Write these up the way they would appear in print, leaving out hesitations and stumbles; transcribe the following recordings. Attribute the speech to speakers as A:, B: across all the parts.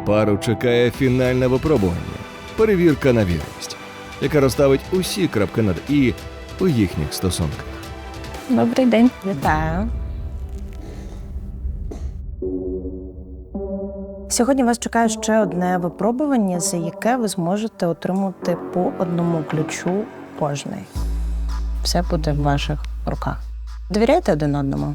A: Пару чекає фінальне випробування – перевірка на вірність, яка розставить усі крапки над «і» у їхніх стосунках.
B: Добрий день.
C: Вітаю. Сьогодні вас чекає ще одне випробування, за яке ви зможете отримати по одному ключу кожний. Все буде в ваших руках. Довіряєте один одному?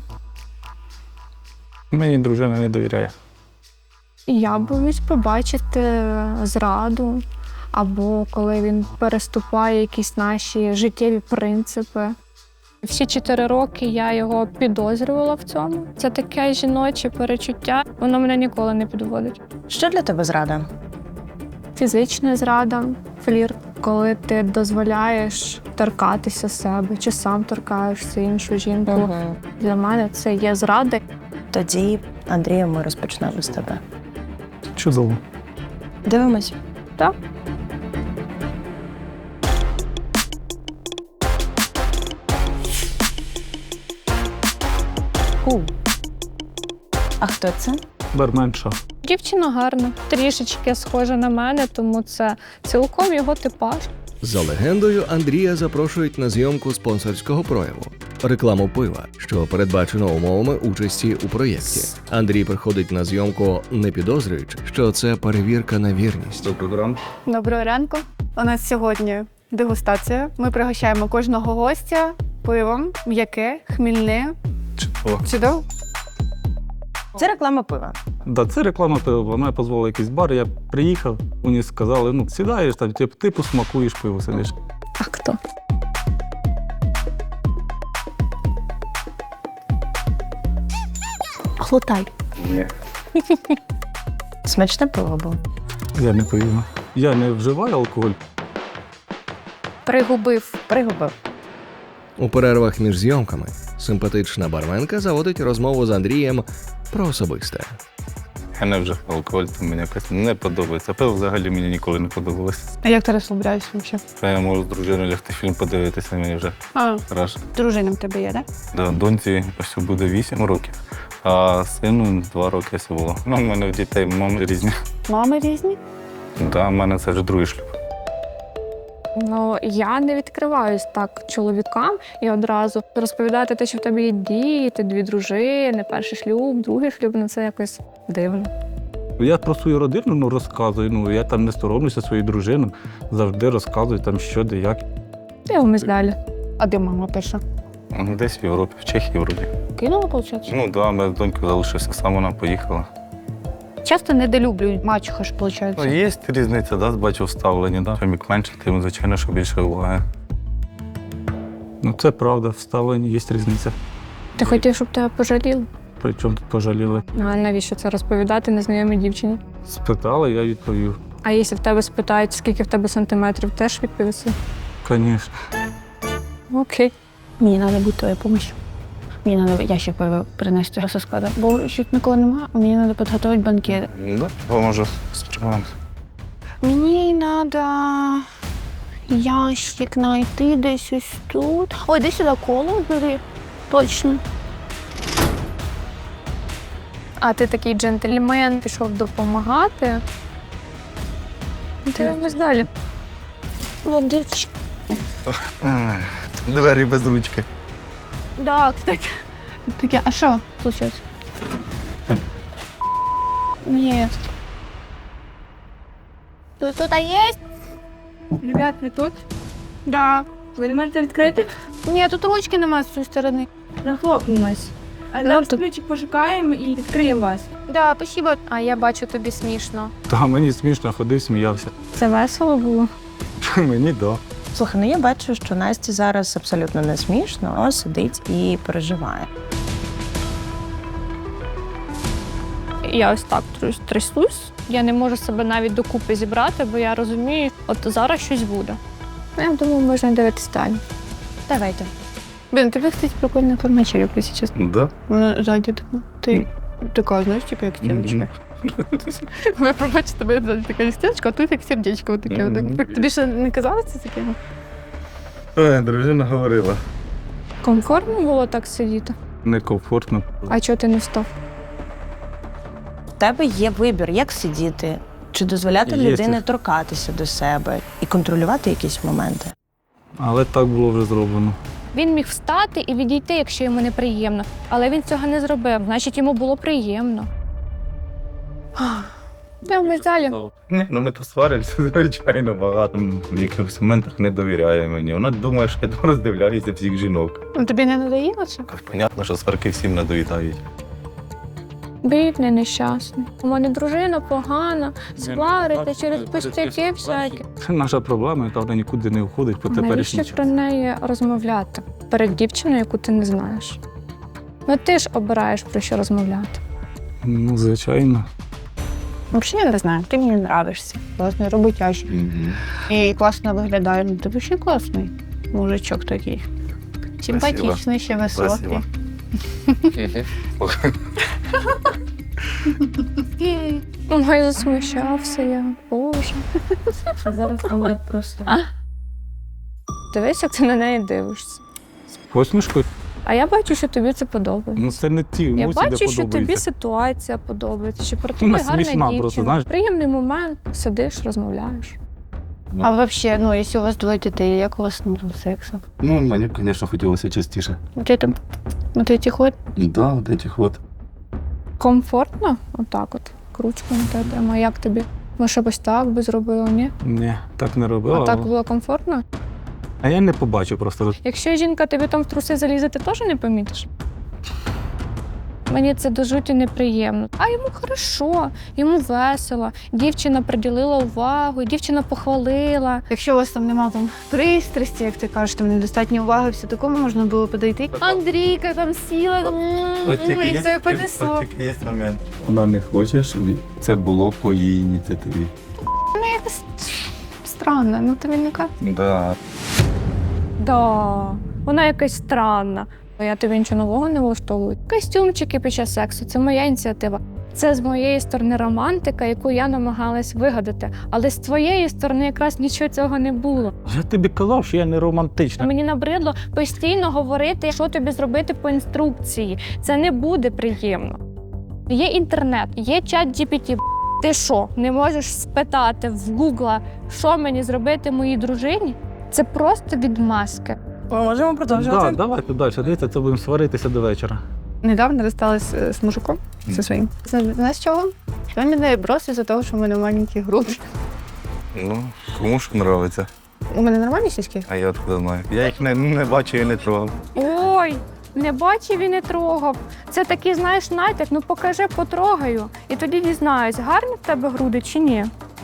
D: Мені дружина не довіряє.
B: Я боюсь побачити зраду, або коли він переступає якісь наші життєві принципи. Всі 4 роки я його підозрювала в цьому. Це таке жіноче перечуття, воно мене ніколи не підводить.
C: Що для тебе зрада?
B: Фізична зрада, флірт, коли ти дозволяєш торкатися себе, чи сам торкаєшся іншу жінку. Для мене це є зрада.
C: Тоді, Андрію, ми розпочнемо з тебе.
D: Чудово.
C: Дивимось.
B: Так?
C: А хто це?
D: Барменша.
B: Дівчина гарна, трішечки схожа на мене, тому це цілком його типаж.
A: За легендою, Андрія запрошують на зйомку спонсорського прояву – рекламу пива, що передбачено умовами участі у проєкті. Андрій приходить на зйомку, не підозрюючи, що це перевірка на вірність.
D: Доброго ранку.
E: Доброго ранку. У нас сьогодні дегустація. Ми пригощаємо кожного гостя пивом, м'яке, хмільне.
D: Чудово.
E: Чудово?
C: Це реклама пива.
D: Да, це реклама пива. Вона позвала якийсь бар, я приїхав, мені сказали, сідаєш, там, ти посмакуєш пиво, сидиш.
B: А хто? Глотай.
D: Ні.
C: Смачне пиво було.
D: Я не повірю. Я не вживаю алкоголь.
B: Пригубив.
A: У перервах між зйомками симпатична барменка заводить розмову з Андрієм про особисте.
F: Я не вживав алкоголь, то мені якось не подобається. Пиво взагалі мені ніколи не подобалося.
E: А як ти розслабляєшся взагалі?
F: Я можу з дружиною лягти фільм подивитися, мені вже краще.
E: Дружина в тебе є, так?
F: Да, доньці ось буде 8 років, а сину 2 роки ось було. У мене в дітей мами різні.
E: Мами різні?
F: Да, в мене це вже другий шлюб.
B: Ну, я не відкриваюсь так чоловікам і одразу розповідати те, що в тебе є діти, 2 дружини, перший шлюб, другий шлюб, це якось дивно.
D: Я про свою родину розказую, я там не соромлюся своїй дружині, завжди розказую там що, де, як.
B: Дивимось далі.
E: А де мама перша?
F: Десь в Європі, в Чехії вроді.
E: Кинула, виходить?
F: Ну да, ми з донькою залишився сам, вона поїхала.
E: Часто недолюблюють мачуха ж, виходить.
F: Ну, є різниця, да, бачу вставлені, да. Чим як менше, тим, звичайно, що більше уваги.
D: Це правда, вставлені, є різниця.
B: Ти хотів, щоб тебе пожаліли?
D: Причому тут пожаліли.
B: А навіщо це розповідати незнайомій дівчині?
D: Спитали, я відповів.
B: А якщо в тебе спитають, скільки в тебе сантиметрів, теж відповісти?
D: Звісно.
B: Окей.
E: Мені треба буде твоя допомога. Мені треба ящик пива принести зі складу, бо щось ніколи немає, а мені треба підготувати банкет.
F: Да, поможу справимося.
E: Мені треба ящик знайти десь ось тут. Ой, десь сюди коло бери. Точно.
B: А ти такий джентльмен, пішов допомагати. Дивимось далі.
E: Водички.
F: Двері без ручки.
E: Да, кстати. Таке, а що случилось? Ні. Тут є?
B: Ребят, ви тут?
E: Да.
B: Ви не можете відкрити?
E: Ні, тут ручки немає з цієї сторони.
B: Захлопнулась. А зараз ключик пошукаємо і відкриємо вас.
E: Да, спасибо.
B: А я бачу, тобі смішно.
D: Та мені смішно, ходив, сміявся.
B: Це весело було?
D: Мені да.
C: Слухай, я бачу, що Насті зараз абсолютно не смішно, а сидить і переживає.
B: Я ось так трясусь. Я не можу себе навіть докупи зібрати, бо я розумію, от зараз щось буде. Я думаю, можна дивитися далі.
C: Давайте.
E: Блин, тебе, кстати, прикольная информация, если честно.
F: Да?
E: Вона ззаді така. Ти така, знаєш, типу, як стіночка. Ви пробачте, тебе ззаді така стіночка, а тут як сердечко таке. Тобі ще не казалося таке?
F: Ой, дружина говорила.
B: Комфортно було так сидіти?
D: Некомфортно.
B: А чого ти не встав?
C: тебе є вибір, як сидіти, чи дозволяти
D: Є
C: людині
D: це.
C: торкатися до себе і контролювати якісь моменти.
D: Але так було вже зроблено.
B: Він міг встати і відійти, якщо йому неприємно, але він цього не зробив, значить йому було приємно. Ми далі.
F: Ні, ну ми то сваримося, звичайно, багато. В якихось моментах не довіряє мені. Вона думає, що я роздивляюся всіх жінок.
E: Ну, тобі не надоїло це?
F: Понятно, що сварки всім надоїдають.
B: Бідний, нещасний. У мене дружина погана, сварите через пустяки всякі.
D: Це наша проблема, яка вона нікуди не входить по теперішній
B: Навіщо
D: час.
B: про неї розмовляти перед дівчиною, яку ти не знаєш? Ну ти ж обираєш, про що розмовляти.
D: Ну, звичайно.
E: Взагалі я не знаю, ти мені нравишся. Класний роботящий. І класно виглядає. Ну, ти взагалі класний мужичок такий. Симпатичний, ще високий.
B: Ой, засмущався я. Боже.
C: Зараз говорить просто.
B: Дивись, як ти на неї дивишся.
D: Посмішкою?
B: А я бачу, що тобі це подобається.
D: Ну, це не ті
B: Я
D: емоції, де
B: бачу, що тобі
D: подобається.
B: ситуація подобається, що про тебе
D: Вона
B: гарна
D: смішна
B: дівчина.
D: просто, знаєш.
B: Приємний момент, сидиш, розмовляєш.
E: А взагалі, ну, якщо у вас двоє дітей, як у вас сексу?
F: Ну, мені, звісно, хотілося частіше.
E: Ти там, ти ход?
F: Да, от этих от.
B: Комфортно? Отак от. Кручку на тебе тема. Як тобі? Може, ось так би зробила, ні?
D: Ні, так не робила.
B: А так
D: але-
B: було комфортно?
D: А я не побачив просто.
B: Якщо жінка тобі там в труси залізе, ти теж не помітиш? Мені це до жуті неприємно. А йому хорошо, йому весело. Дівчина приділила увагу, дівчина похвалила.
E: Якщо у вас там нема там пристрасті, як ти кажеш, там недостатньо уваги, все такому можна було подойти. Андрійка там сіла, і все понесло.
F: є момент. Вона не хоче, щоб це було по її ініціативі.
E: Якось странно, ну тобі не кажуть.
F: Да.
B: Да, вона якась странна. Я тобі нічого нового не влаштовую. Костюмчики під час сексу це моя ініціатива. Це з моєї сторони романтика, яку я намагалась вигадати. Але з твоєї сторони якраз нічого цього не було.
D: Я тобі казав, що я не романтична.
B: Мені набридло постійно говорити, що тобі зробити по інструкції. Це не буде приємно. Є інтернет, є чат GPT. Ти що, не можеш спитати в Гугла, що мені зробити моїй дружині? Це просто відмазки.
C: Ми можемо
D: Так, давайте далі. Дивіться, це будемо сваритися до вечора.
E: Недавно розсталась з мужиком зі своїм. Знаєш чого? Він мене бросив за того, що в мене маленькі груди.
F: Ну, кому ж подобається.
E: У мене нормальні сіськи?
F: А я откуда знаю. Я їх не бачу і не трогав.
B: Ой, не бачив і не трогав. Це такий, знаєш, натяк, ну покажи, потрогаю. І тоді дізнаюсь, гарні в тебе груди чи ні.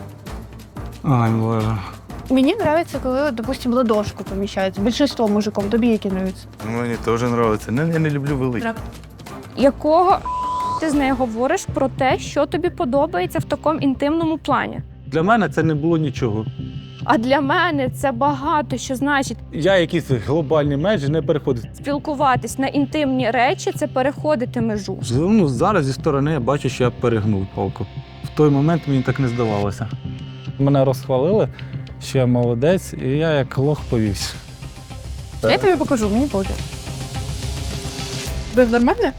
D: Ай, Боже.
E: Мені подобається, коли, допустим, ладошку поміщається. Більшинство мужиком. Тобі які подобаються?
F: Мені теж подобається. Я не люблю великі.
B: Якого ти з нею говориш про те, що тобі подобається в такому інтимному плані?
D: Для мене це не було нічого.
B: А для мене це багато що значить.
D: Я якісь глобальні межі не переходив.
B: Спілкуватись на інтимні речі – це переходити межу.
D: Ну, зараз зі сторони я бачу, що я перегнув палку. В той момент мені так не здавалося. Мене розхвалили, що я молодець, і я як лох повівся.
E: Я тобі покажу, мені буде. Ви нормально?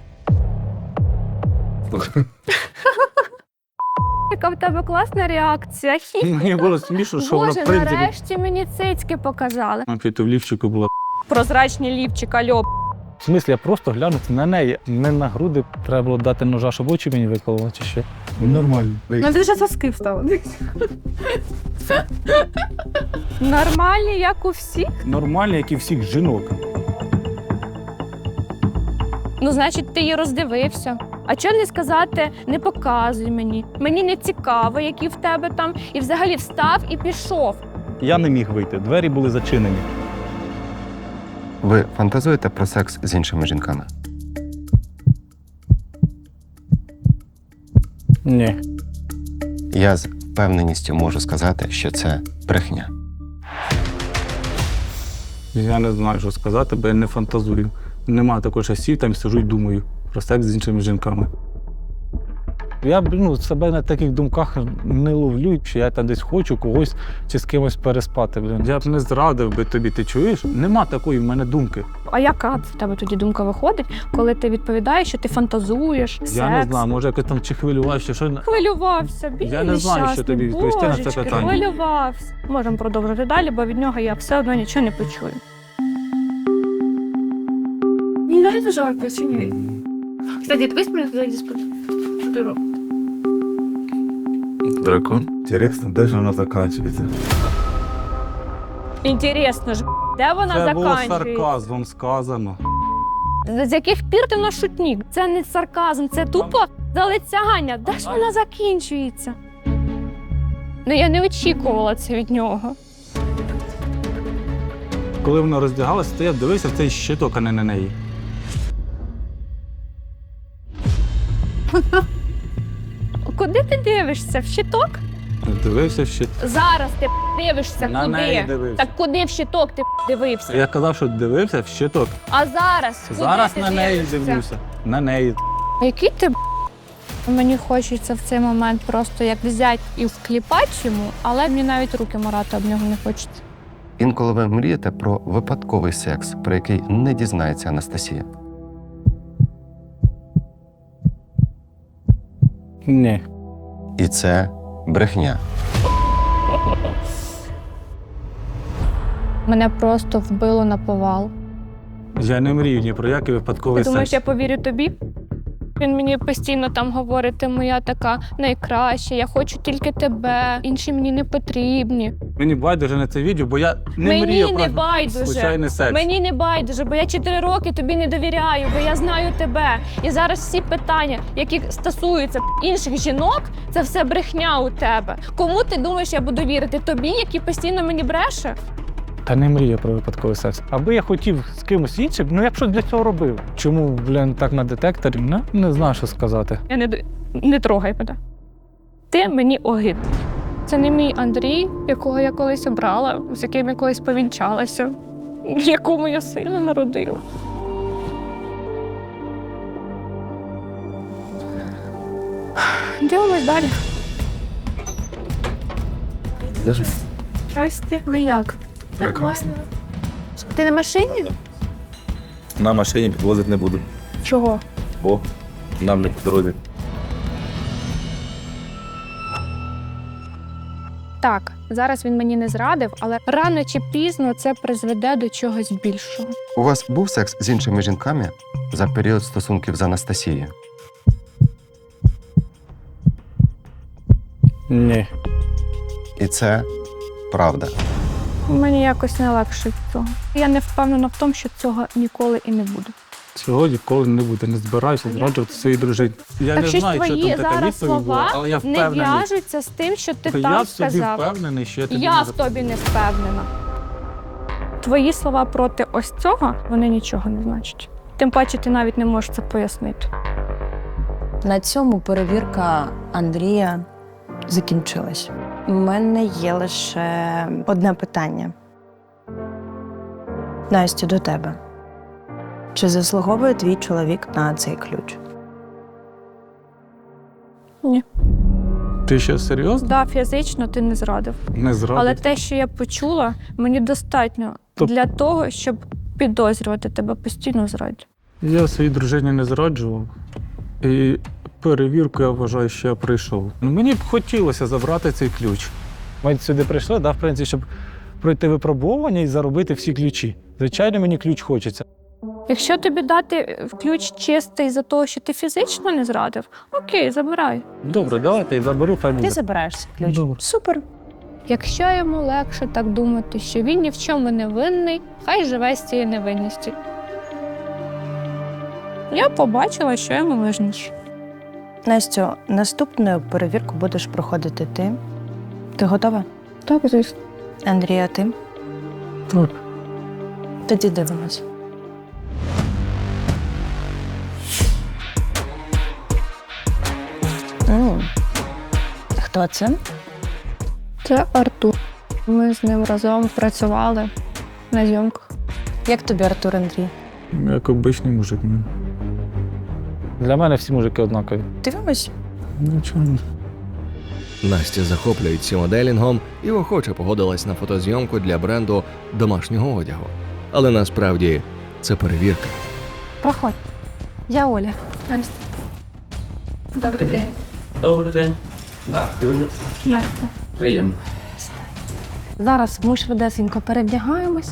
B: Яка в тебе класна реакція. Хі.
D: Мені було смішно, що вона,
B: Боже,
D: в принципі,
B: нарешті мені цицьки показали.
D: в лівчику була.
B: Прозрачні лівчик, альо.
D: В смислі, я просто глянути на неї, не на груди. Треба було дати ножа, щоб очі мені викололи, чи що.
F: Нормально.
E: Ну ти ж соски встав.
B: Нормальні, як у всіх.
D: Нормально, як і всіх жінок.
B: Ну, значить, ти її роздивився. А чого не сказати, не показуй мені. Мені не цікаво, які в тебе там. І взагалі встав і пішов.
D: Я не міг вийти, двері були зачинені.
G: Ви фантазуєте про секс з іншими жінками?
D: Ні.
G: Я з впевненістю можу сказати, що це брехня.
D: Я не знаю, що сказати, бо я не фантазую. Нема такого часів, там сижу і думаю про секс з іншими жінками. Я себе на таких думках не ловлю, що я там десь хочу когось чи з кимось переспати. Я б не зрадив би тобі, ти чуєш? Нема такої в мене думки.
B: А яка в тебе тоді думка виходить, коли ти відповідаєш, що ти фантазуєш, секс?
D: Я не знаю, може якось там чи хвилювався, що...
B: Хвилювався, бідний,
D: Я не знаю, що
B: щасний,
D: тобі відповісти на це
B: божечки,
D: питання.
B: хвилювався. Можемо продовжити далі, бо від нього я все одно нічого не почую.
H: Не нравится жарко, чи ні? Кстати, дивись мене туди спod. Що ти робиш?
F: Дракон. Інтересно, де ж воно закінчується?
B: Інтересно ж, де вона
D: Це було
B: закінчується?
D: сарказмом сказано.
B: З яких пір ти на шутник? Це не сарказм, це тупо залицяння. Де ж вона закінчується? Ну я не очікувала це від нього.
D: Коли вона роздягалася, то я дивився в цей щиток, а не на неї.
B: Куди ти дивишся? В щиток?
D: Дивився в щиток.
B: Зараз ти дивишся
D: На
B: куди?
D: неї дивився.
B: Так куди в щиток ти дивився?
D: Я казав, що дивився в щиток.
B: А зараз? Куди
D: Зараз
B: ти
D: на неї
B: дивишся?
D: дивлюся. На неї.
B: А який ти мені хочеться в цей момент просто як взяти і вкліпати йому, але мені навіть руки марати об нього не хочеться.
G: Інколи ви мрієте про випадковий секс, про який не дізнається Анастасія.
D: Ні.
G: І це брехня.
B: Мене просто вбило на повал.
D: Я не мрію ні про який випадковий
B: Ти думаєш,
D: секс.
B: я повірю тобі? Він мені постійно там говорить, ти моя така найкраща, я хочу тільки тебе, інші мені не потрібні.
D: Мені байдуже на це відео, бо я не
B: Мені
D: мрію
B: не
D: про
B: байдуже.
D: случайний секс.
B: Мені не байдуже, бо я 4 роки тобі не довіряю, бо я знаю тебе. І зараз всі питання, які стосуються інших жінок, це все брехня у тебе. Кому ти думаєш, я буду вірити? Тобі, який постійно мені бреше?
D: Та не мрію про випадковий секс. Аби я хотів з кимось іншим, я б щось для цього робив. Чому, так на детекторі? Не знаю, що сказати.
B: Я не трогай мене. Ти мені огидний. Це не мій Андрій, якого я колись обрала, з яким я колись повінчалася, якому я сина народила. Дивимось далі.
H: Здрасте. Ви як? Так класно. Ти на машині?
F: На машині підвозити не буду,
H: Чого?
F: бо нам не по дорозі.
B: Так, зараз він мені не зрадив, але рано чи пізно це призведе до чогось більшого.
G: У вас був секс з іншими жінками за період стосунків з Анастасією?
D: Ні.
G: І це правда.
B: Мені якось не легше від цього. Я не впевнена в тому, що цього ніколи і не буде.
D: Цього ніколи не буде. Не збираюся зраджувати своїй дружині. Я
B: Так
D: не
B: що
D: знаю, що
B: твої
D: там така
B: зараз
D: відповідь була,
B: слова
D: але я
B: не
D: впевнений.
B: в'яжуться з тим, що ти
D: Я
B: там
D: в собі
B: сказав.
D: впевнений, що я тобі
B: Я
D: не
B: в тобі не впевнена. Твої слова проти ось цього, вони нічого не значать. Тим паче ти навіть не можеш це пояснити.
C: На цьому перевірка Андрія закінчилась. У мене є лише одне питання. Настю, до тебе. Чи заслуговує твій чоловік на цей ключ?
D: Ти що, серйозно?
B: Да, фізично ти не зрадив.
D: Не зрадив.
B: Але те, що я почула, мені достатньо
D: Тоб-
B: для того, щоб підозрювати тебе постійно в зраді.
D: Я своїй дружині не зраджував. І перевірку, я вважаю, що я прийшов. Мені б хотілося забрати цей ключ. Ми сюди прийшли, в принципі, щоб пройти випробування і заробити всі ключі. Звичайно, мені ключ хочеться.
B: Якщо тобі дати ключ чистий за те, що ти фізично не зрадив, окей, забирай.
D: Добре, давайте я заберу, хай
C: Ти
D: буде.
C: забираєш цей ключ.
D: Добре.
C: Супер.
B: Якщо йому легше так думати, що він ні в чому не винний, хай живе з цією невинністю. Я побачила, що йому важніше.
C: Настю, наступну перевірку будеш проходити ти. Ти готова?
B: Так, звісно.
C: Андрія, ти?
D: Так.
C: Тоді дивимось. Хто це?
B: Це Артур. Ми з ним разом працювали на зйомках.
C: Як тобі Артур, Андрій?
D: Як обичний мужик. Для мене всі мужики однакові.
C: Дивимось.
D: Нічого.
A: Настя захоплюється моделінгом і охоче погодилась на фотозйомку для бренду домашнього одягу. Але насправді це перевірка.
B: Проходь. Я Оля.
H: Добрий день.
I: Добрий день. Приємно.
B: Зараз ми швидесенько перевдягаємося.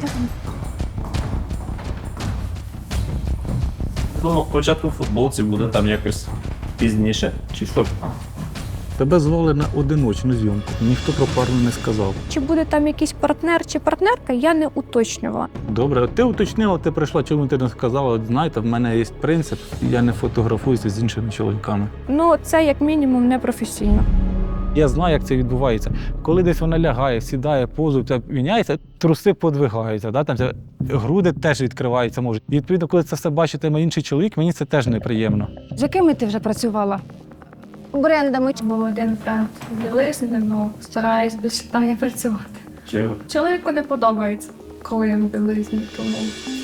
I: Ну, спочатку в футболці буде там якось пізніше. Чи що?
D: Тебе звали на одиночну зйомку. Ніхто про пару не сказав.
B: Чи буде там якийсь партнер чи партнерка, я не уточнювала.
D: Добре, ти уточнила, ти прийшла, чому ти не сказала? От знаєте, в мене є принцип, я не фотографуюся з іншими чоловіками.
B: Ну, це як мінімум непрофесійно.
D: Я знаю, як це відбувається. Коли десь вона лягає, сідає, позу, це міняється, труси подвигаються, да? Там це, груди теж відкриваються можуть. І відповідно, коли це все бачитиме інший чоловік, мені це теж неприємно.
B: З якими ти вже працювала? Брендами.
H: Був один бренд білизни, ну, стараюсь без питання працювати.
I: Чого?
H: Чоловіку не подобається, коли я в білизні, тому...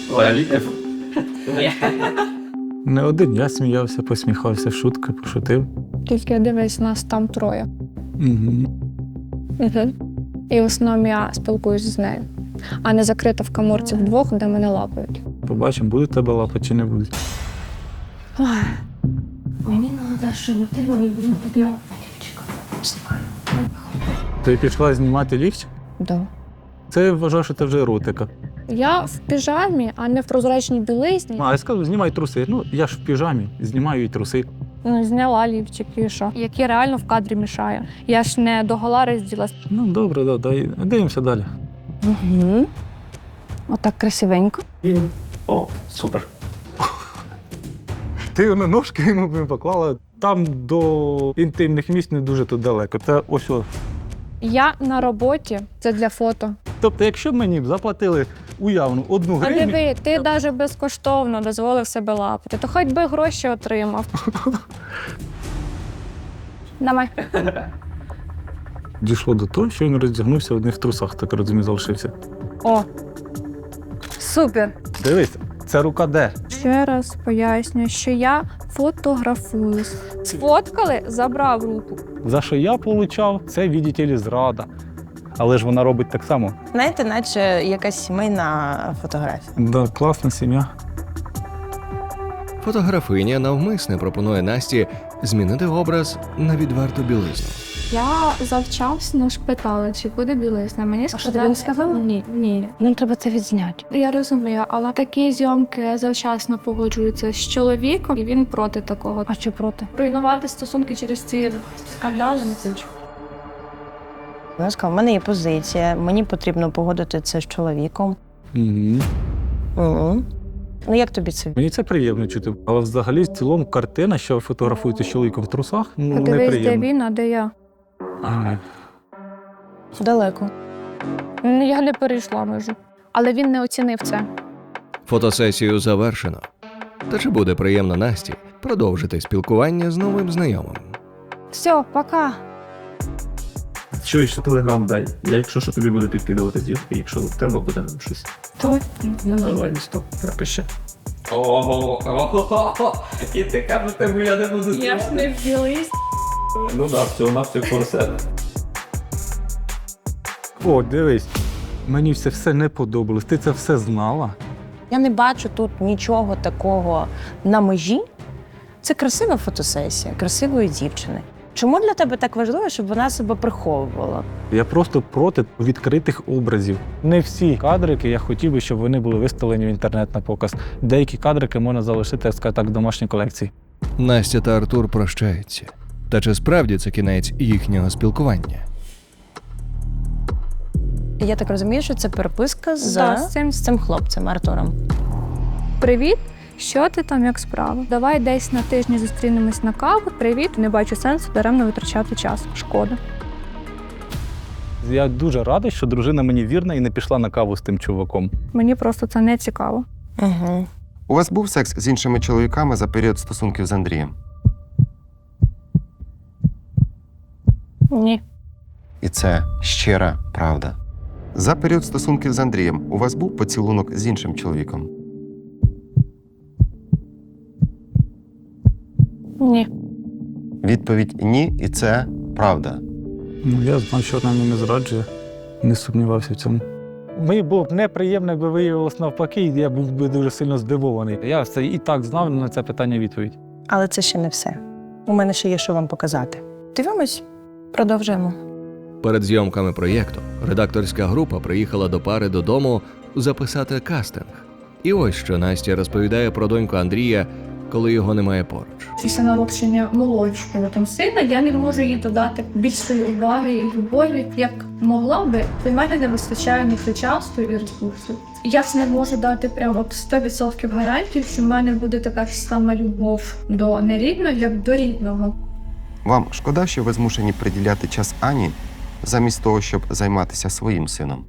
D: Не один я сміявся, посміхався, шутки, пошутив.
B: Тільки дивись, нас там троє.
D: Угу.
B: І в основному я спілкуюсь з нею, а не закрита в каморці вдвох, де мене лапають.
D: Побачимо, будуть тебе лапати чи не будуть.
H: Мені треба, щоб ти мені підняв.
D: Ти пішла знімати ліфт?
B: Да.
D: Це я вважаю, що це вже еротика.
B: Я в піжамі, а не в прозрачній білизні.
D: А я скажу, знімай труси. Ну, я ж в піжамі, знімаю і труси.
B: Ну, зняла лівчик і що? Який реально в кадрі мішає. Я ж не догола розділась.
D: Ну, добре, да, дивимося далі.
B: Угу. Отак красивенько.
I: О, супер.
D: Ти на ножки йому поклала. Там до інтимних місць не дуже тут далеко. Це ось.
B: Я на роботі, це для фото.
D: Тобто, якщо б мені б заплатили уявну 1
B: А
D: гривню,
B: диви, ти навіть безкоштовно дозволив себе лапати, то хоч би гроші отримав. Давай.
D: дійшло до того, що він роздягнувся в одних трусах, так розумію, залишився.
B: О, супер.
D: Дивись, це рука де?
B: Ще раз пояснюю, що я фотографуюсь. Сфоткали, забрав руку.
D: За що я получав, це, видите ли, зрада. Але ж вона робить так само.
C: Знаєте, наче якась сімейна фотографія.
D: Да, класна сім'я.
A: Фотографиня навмисне пропонує Насті змінити образ на відверту білизну.
H: Я завчасно ж питала, чи буде білизна. Мені сказали,
B: тобі не сказали?
H: Ні.
B: Нам треба це відзняти.
H: Я розумію, але такі зйомки завчасно погоджуються з чоловіком, і він проти такого.
B: А що проти?
H: Руйнувати стосунки через ці скандали не хочу.
C: Вона сказала, в мене є позиція, мені потрібно погодити це з чоловіком.
D: Угу.
C: Угу. Ну як тобі це?
D: Мені це приємно чути. Але взагалі в цілому картина, що ви фотографуєте з чоловіком в трусах, ну,
B: Дивись, де
D: неприємно.
B: він, а де я.
D: Ага.
C: Далеко.
B: Я не перейшла межу. Але він не оцінив це.
A: Фотосесію завершено. Та чи буде приємно Насті продовжити спілкування з новим знайомим?
B: Все, пока.
I: Що ще телеграм дай? Я якщо що тобі буду підкидувати зірки, якщо треба буде нам щось. Давай, стоп, пропиши. Ого, і ти кажете, я не буду.
H: Я ж не вділись.
I: Ну так, всього на все корсет.
D: О, дивись, мені все не подобалось. Ти це все знала?
C: Я не бачу тут нічого такого на межі. Це красива фотосесія, красивої дівчини. Чому для тебе так важливо, щоб вона себе приховувала?
D: Я просто проти відкритих образів. Не всі кадрики я хотів би, щоб вони були виставлені в інтернет на показ. Деякі кадрики можна залишити, я скажу так, в домашній колекції.
A: Настя та Артур прощаються. Та чи справді це кінець їхнього спілкування?
C: Я так розумію, що це переписка
B: Да,
C: з цим хлопцем Артуром.
B: Привіт. Що ти там, як справа? Давай десь на тижні зустрінемось на каву. Привіт, не бачу сенсу даремно витрачати час. Шкода.
D: Я дуже радий, що дружина мені вірна і не пішла на каву з тим чуваком.
B: Мені просто це не цікаво.
C: Угу.
G: У вас був секс з іншими чоловіками за період стосунків з Андрієм?
B: Ні.
G: І це щира правда. За період стосунків з Андрієм у вас був поцілунок з іншим чоловіком?
B: Ні.
G: Відповідь ні, і це правда.
D: Ну, я знав, що вона мене не зраджує, не сумнівався в цьому. Мені було б неприємно, якби виявилось навпаки, і я був би дуже сильно здивований. Я це і так знав на це питання відповідь.
C: Але це ще не все. У мене ще є що вам показати. Дивимось, продовжуємо.
A: Перед зйомками проєкту редакторська група приїхала до пари додому записати кастинг. І ось що Настя розповідає про доньку Андрія, коли його немає поруч.
H: Після народження молодшого там сина я не можу їй додати більшої уваги і любові, як могла би. Для мене не вистачає на це часу і ресурсів. Я ж не можу дати прямо 100% гарантію, що в мене буде така ж сама любов до нерідного, як до рідного.
G: Вам шкода, що ви змушені приділяти час Ані, замість того, щоб займатися своїм сином?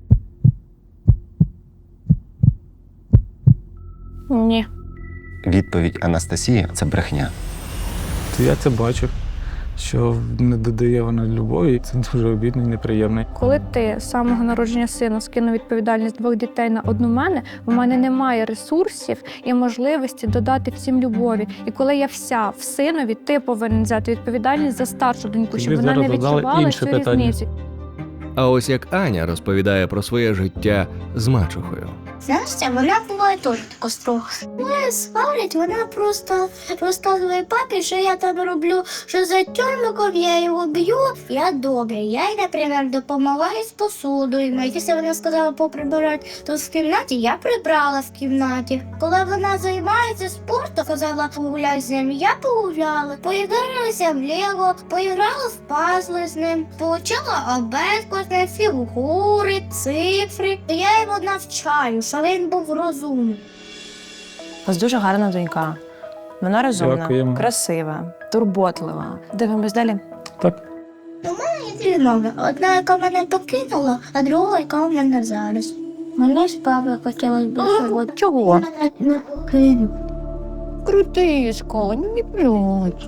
B: Ні.
G: Відповідь Анастасії – це брехня.
D: То я це бачив, що не додає вона любові, це дуже обідно і неприємно.
B: Коли ти з самого народження сина скинув відповідальність 2 дітей на одну мене, в мене немає ресурсів і можливості додати всім любові. І коли я вся в синові, ти повинен взяти відповідальність за старшу доньку, щоб
D: Тобі
B: вона не
D: зараз додали
B: відчувала
D: інше
B: цю
D: питання.
B: різницю.
A: А ось як Аня розповідає про своє життя з мачухою.
J: Настя, вона буває теж така строга. Не сварить, вона просто розказує папі, що я там роблю, що за тюрмиком я його б'ю. Я добре. Я їй, наприклад, допомагаю з посудою. Якщо вона сказала поприбирати, то в кімнаті я прибрала в кімнаті. Коли вона займається спортом, казала погуляй з ним, я погуляла. Поігралася в Лего, поіграла в пазли з ним, получила обетку, фігури, цифри. Я його навчаю, що він був розумний.
C: У вас дуже гарна донька. Вона розумна,
D: Дякуємо.
C: красива, турботлива. Дивимось далі.
D: Так.
J: У мене є 2 мами. Одна, яка мене покинула, а друга, яка у мене зараз. Мені з папою хотілося б, щоб
E: Чого?
J: мене не покинув.
E: Крутишко, не плюч.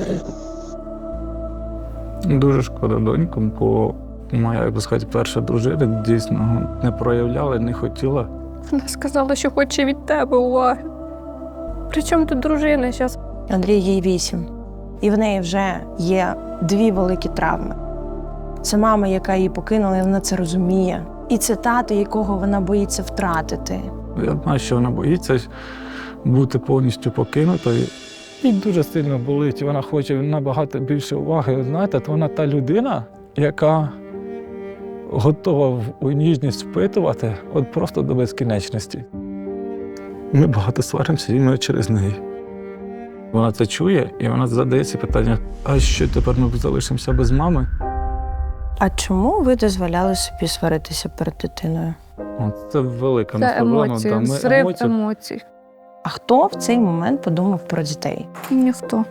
D: Дуже шкода доньку, бо моя, як би сказати, перша дружина дійсно не проявляла, не хотіла.
B: Вона сказала, що хоче від тебе уваги. Причому тут дружина зараз?
C: Андрій, їй 8. І в неї вже є 2 великі травми. Це мама, яка її покинула, і вона це розуміє. І це тато, якого вона боїться втратити.
D: Я знаю, що вона боїться бути повністю покинутою. І дуже сильно болить, вона хоче набагато більше уваги. Знаєте, то вона та людина, яка готова у ніжність впитувати от просто до безкінечності. Ми багато сваримося іменно через неї. Вона це чує, і вона задає ці питання, а що тепер ми залишимося без мами?
C: А чому ви дозволяли собі сваритися перед дитиною?
D: От це велика
B: Це
D: проблема.
B: емоції,
D: Да, ми
B: зрив емоцій.
C: А хто в цей момент подумав про дітей?
B: Ніхто.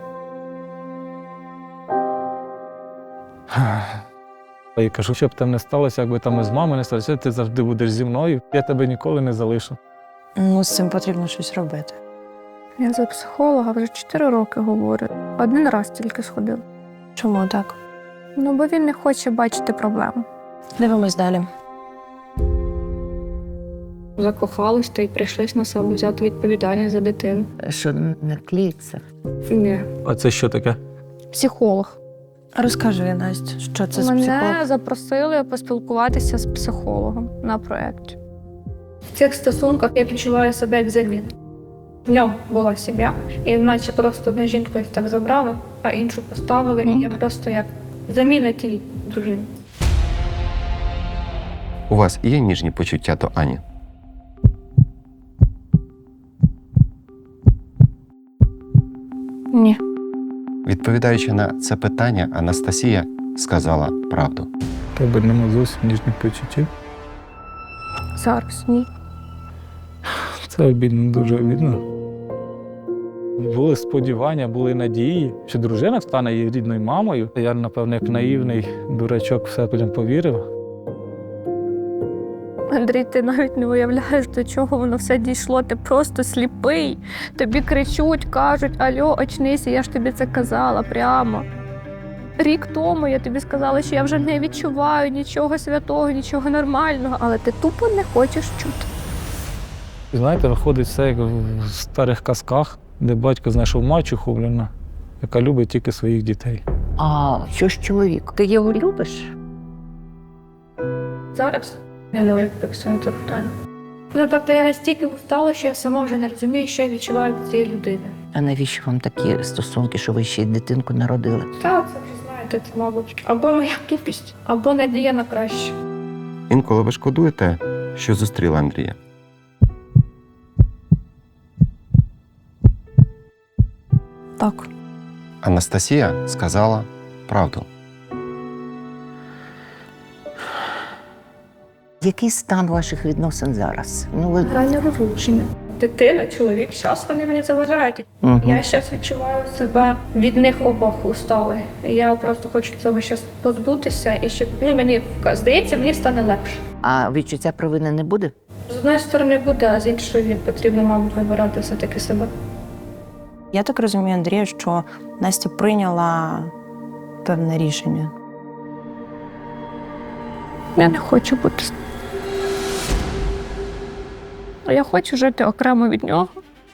D: Я кажу, щоб там не сталося, якби там із мамою не сталося, ти завжди будеш зі мною, я тебе ніколи не залишу.
C: Ну, з цим потрібно щось робити.
B: Я за психолога вже 4 роки говорю. 1 раз тільки сходила.
C: Чому так?
B: Ну, бо він не хоче бачити проблему.
C: Дивимось далі.
B: Закохались та й прийшлось на себе взяти відповідальність за дитину.
E: Що не кліться.
B: Ні.
D: А це що таке?
B: Психолог.
C: Розкажи, Настя, що це за
B: Мене
C: психолог?
B: запросили поспілкуватися з психологом на проєкті. В цих стосунках я відчуваю себе як заміна. В ньому була сім'я, і наче просто одну жінку їх так забрали, а іншу поставили, і я просто як заміна тій дружині.
G: У вас є ніжні почуття до Ані?
B: Ні.
G: Відповідаючи на це питання, Анастасія сказала правду.
D: Тебе нема зовсім ніжних почуттів.
B: Зараз ні.
D: Це обідно, дуже обідно. Були сподівання, були надії, що дружина стане її рідною мамою. Я, напевно, як наївний дурачок, все потім повірив.
B: Андрій, ти навіть не уявляєш, до чого воно все дійшло. Ти просто сліпий. Тобі кричуть, кажуть, алло, очнися, я ж тобі це казала прямо. Рік тому я тобі сказала, що я вже не відчуваю нічого святого, нічого нормального, але ти тупо не хочеш чути.
D: І знаєте, виходить все як в старих казках, де батько знайшов мачуху, яка любить тільки своїх дітей.
E: А що ж чоловік? Ти його любиш?
H: Зараз я не рефлексую це питання. Ну, тобто я настільки устала, що я сама вже не розумію, що я відчуваю від цієї людини.
E: А навіщо вам такі стосунки, що ви ще й дитинку народили?
H: Так, це вже знаєте, це, мабуть, або моя тупість, або надія на краще.
G: Інколи ви шкодуєте, що зустріли Андрія?
C: Так.
G: Анастасія сказала правду.
E: Який стан ваших відносин зараз? Ну, ви...
H: Реальне розлучення. Дитина, чоловік, зараз вони мені заважають.
E: Мгм.
H: Я зараз відчуваю себе від них обох устали. Я просто хочу цього зараз позбутися, і щоб мені здається, мені стане легше.
E: А відчуття провини не буде?
H: З однієї сторони буде, а з іншої потрібно, мабуть, вибирати все-таки себе.
C: Я так розумію, Андрія, що Настя прийняла певне рішення.
B: Я не хочу бути. Я хочу жити окремо від нього,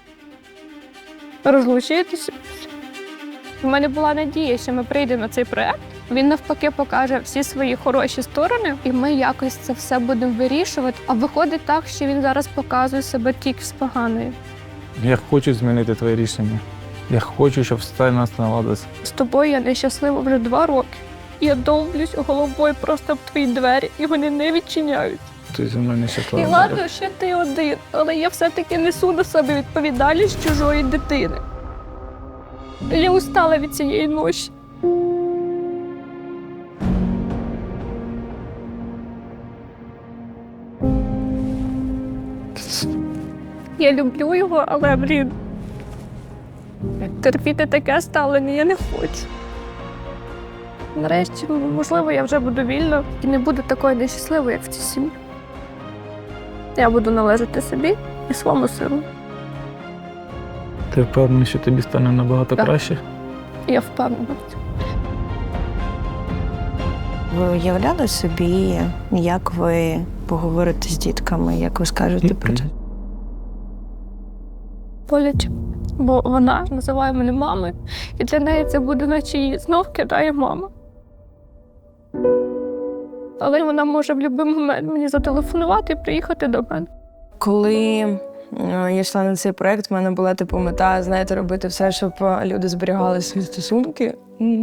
B: розлучитися. У мене була надія, що ми прийдемо на цей проект. Він навпаки покаже всі свої хороші сторони, і ми якось це все будемо вирішувати. А виходить так, що він зараз показує себе тільки з поганою.
D: Я хочу змінити твоє рішення. Я хочу, щоб все нас наладилось.
B: З тобою я нещаслива вже 2 роки. Я довблюсь головою просто в твої двері, і вони не відчиняють.
D: Ти зі мною
B: І
D: нещаслива.
B: ладно, що ти один, але я все-таки несу на себе відповідальність чужої дитини. Я устала від цієї ночі. Я люблю його, але, терпіти таке ставлення я не хочу. Нарешті, можливо, я вже буду вільна і не буду такою нещасливою, як в цій сім'ї. Я буду належати собі і своєму сину.
D: Ти впевнений, що тобі стане набагато
B: Так.
D: краще?
B: Я впевнена в цьому.
C: Ви уявляли собі, як ви поговорите з дітками, як ви скажете про це?
B: Боляче. Бо вона називає мене мамою, і для неї це буде, наче її знов кидає мама. Але вона може в будь-який момент мені зателефонувати і приїхати до мене.
C: Коли я йшла на цей проєкт, в мене була типу мета, знаєте, робити все, щоб люди зберігали свої стосунки.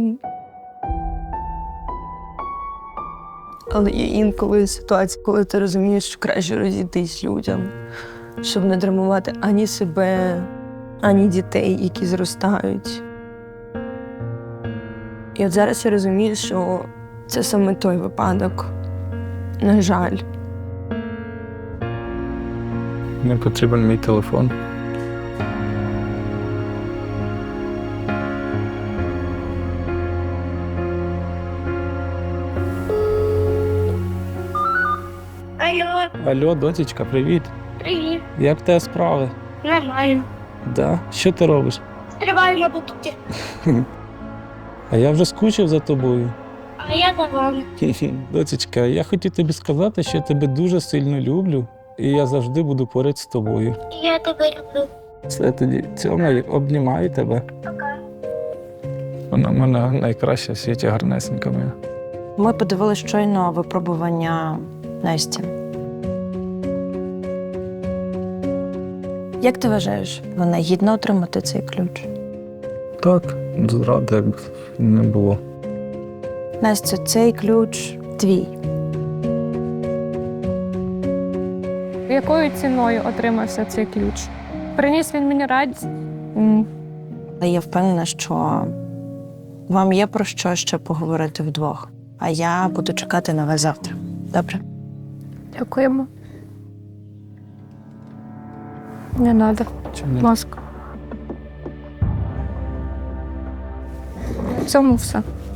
C: Але є інколи ситуації, коли ти розумієш, що краще розійтись людям, щоб не травмувати ані себе, ані дітей, які зростають. І от зараз я розумію, що це саме той випадок. На жаль.
D: Мені потрібен мій телефон.
H: Алло,
D: Алло, дочечка, привіт.
H: привіт.
D: Як в тебе справи?
H: Нормально.
D: Да? Що ти робиш?
H: Триваю роботи.
D: А я вже скучив за тобою.
H: А я нормально.
D: Дочечка, я хотів тобі сказати, що я тебе дуже сильно люблю, і я завжди буду поряд з тобою.
H: Я тебе люблю.
D: Все тоді, цьому обнімаю тебе.
H: Пока.
D: Вона в мене найкраща в світі, гарнесенька моя.
C: Ми подивилися щойно випробування Насті. Як ти вважаєш, вона гідна отримати цей ключ?
D: Так, зради якби не було.
C: Настя, цей ключ твій.
B: Якою ціною отримався цей ключ? Приніс він мені радість?
C: Але я впевнена, що вам є про що ще поговорити вдвох. А я буду чекати на вас завтра. Добре?
B: Дякуємо. Не треба.
D: Чому?
B: Будь ласка. В цьому все.